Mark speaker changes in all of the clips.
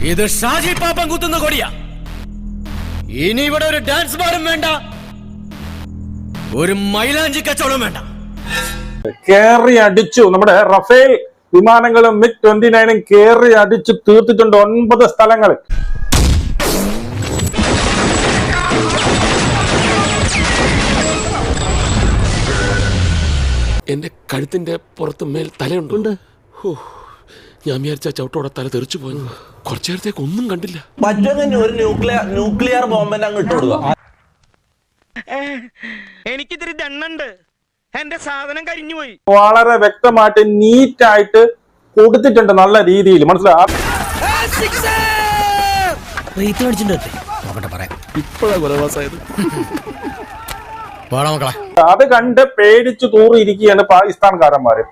Speaker 1: ഇത് ഷാജി പാപ്പൻ കുത്തുന്ന കൊടിയാ. ഇനി ഇവിടെ ഒരു ഡാൻസ് ബാറും വേണ്ട, ഒരു മൈലാഞ്ചി കച്ചവടം വേണ്ട.
Speaker 2: കേറി അടിച്ചു. നമ്മുടെ റഫേൽ വിമാനങ്ങളും MiG-29 കേറി അടിച്ചു തീർത്തിട്ടുണ്ട് 9 സ്ഥലങ്ങളിൽ.
Speaker 3: എന്റെ കഴുത്തിന്റെ പുറത്ത് മേൽ തലയുണ്ട്. ഞാൻ വിചാരിച്ച ചവിട്ടോടെ തല തെറിച്ചു പോയി. കുറച്ചു നേരത്തേക്ക് ഒന്നും കണ്ടില്ല.
Speaker 4: പറ്റുമെങ്കിൽ ഒരു ന്യൂക്ലിയർ ബോംബെന്നെ അങ്ങ് ഇട്ട് കൊടുക്കുക.
Speaker 1: എനിക്കിതിരി ദണ്ണുണ്ട്, എന്റെ സാധനം കരിഞ്ഞു പോയി.
Speaker 2: വളരെ വ്യക്തമായിട്ട് നീറ്റായിട്ട് കൊടുത്തിട്ടുണ്ട്, നല്ല രീതിയിൽ. മനസ്സിലായി അത് കണ്ട് പേടിച്ചു തൂറിയിരിക്കുകയാണ് പാകിസ്ഥാൻകാരന്മാര്.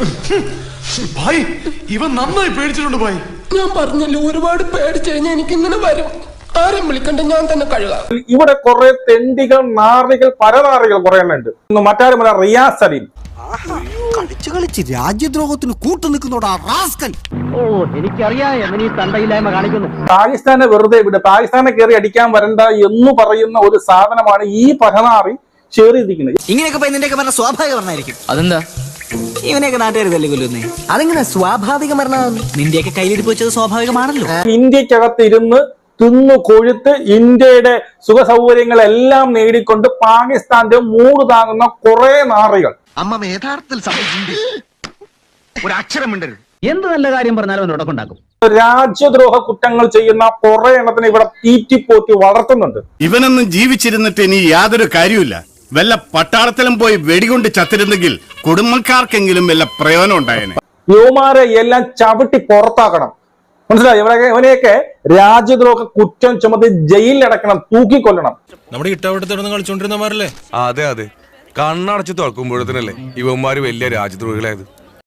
Speaker 5: ഇവൻ നന്നായി പേടിച്ചിട്ടുണ്ട് ഭായി.
Speaker 6: ഞാൻ പറഞ്ഞല്ലോ, ഒരുപാട് പേടിച്ചു കഴിഞ്ഞാൽ എനിക്കിങ്ങനെ വരും. ആരും വിളിക്കണ്ട, ഞാൻ തന്നെ കഴുകാം.
Speaker 2: ഇവിടെ കുറെ തെണ്ടികൾ, നാറികൾ, പരനാറികൾ കുറെ എണ്ണം ഉണ്ട്. മറ്റാരുമല്ല, റിയാസ് സലീം.
Speaker 7: കളിച്ച് കളിച്ച് രാജ്യദ്രോഹത്തിന് കൂട്ടു നിൽക്കുന്നോടാ റാസ്കൽ.
Speaker 2: പാകിസ്ഥാനെ വെറുതെ വിട്, പാകിസ്ഥാനെ കയറി അടിക്കാൻ വരണ്ട എന്ന് പറയുന്ന ഒരു സാധനമാണ് ഈ പരനാറി ചേറിയിരിക്കുന്നത്.
Speaker 7: ഇങ്ങനെയൊക്കെ നിന്റെയൊക്കെ പറഞ്ഞ സ്വാഭാവിക മരണമായിരിക്കും.
Speaker 1: അതെന്താ?
Speaker 7: ഇവനെയൊക്കെ നാട്ടുകാർ തല്ലി കൊല്ലുന്നേ. അതെങ്ങനെ സ്വാഭാവിക മരണം? നിന്റെയൊക്കെ കയ്യിലിരിപ്പ് വെച്ചത് സ്വാഭാവികമാണല്ലോ.
Speaker 2: ഇന്ത്യക്കകത്ത് ഇരുന്ന് തിന്നു കൊഴുത്ത് ഇന്ത്യയുടെ സുഖ സൗകര്യങ്ങളെല്ലാം നേടിക്കൊണ്ട് പാകിസ്ഥാന്റെ മൂട് താങ്ങുന്ന കുറെ നാറികൾ.
Speaker 8: അമ്മ യഥാർത്ഥത്തിൽ ഒരു അക്ഷരം മിണ്ടരുത്.
Speaker 9: എന്ത് നല്ല കാര്യം പറഞ്ഞാലും അവൻ ഉടക്കുണ്ടാക്കും.
Speaker 2: രാജ്യദ്രോഹ കുറ്റങ്ങൾ ചെയ്യുന്ന കുറെ എണ്ണത്തിന് ഇവിടെ തീറ്റിപ്പോറ്റി വളർത്തുന്നുണ്ട്.
Speaker 10: ഇവനൊന്നും ജീവിച്ചിരുന്നിട്ട് ഇനി യാതൊരു കാര്യമില്ല. വല്ല പട്ടാളത്തിലും പോയി വെടികൊണ്ട് ചത്തിരുന്നെങ്കിൽ കുടുംബക്കാർക്കെങ്കിലും വല്ല പ്രയോജനം ഉണ്ടായേനെ.
Speaker 2: യുവമാരെ എല്ലാം ചവിട്ടി പുറത്താക്കണം. മനസ്സിലായി? ഇവനെയൊക്കെ രാജ്യദ്രോഹ കുറ്റം ചുമത്തി ജയിലിലടക്കണം, തൂക്കിക്കൊല്ലണം.
Speaker 1: നമ്മുടെ ഇട്ടവട്ടത്തിടന്ന് കളിച്ചോണ്ടിരുന്നമാരല്ലേ?
Speaker 5: അതെ അതെ, കണ്ണടച്ച് തുറക്കുമ്പോഴത്തേനല്ലേ ഇവന്മാര് വലിയ രാജ്യദ്രോഹികളായത്.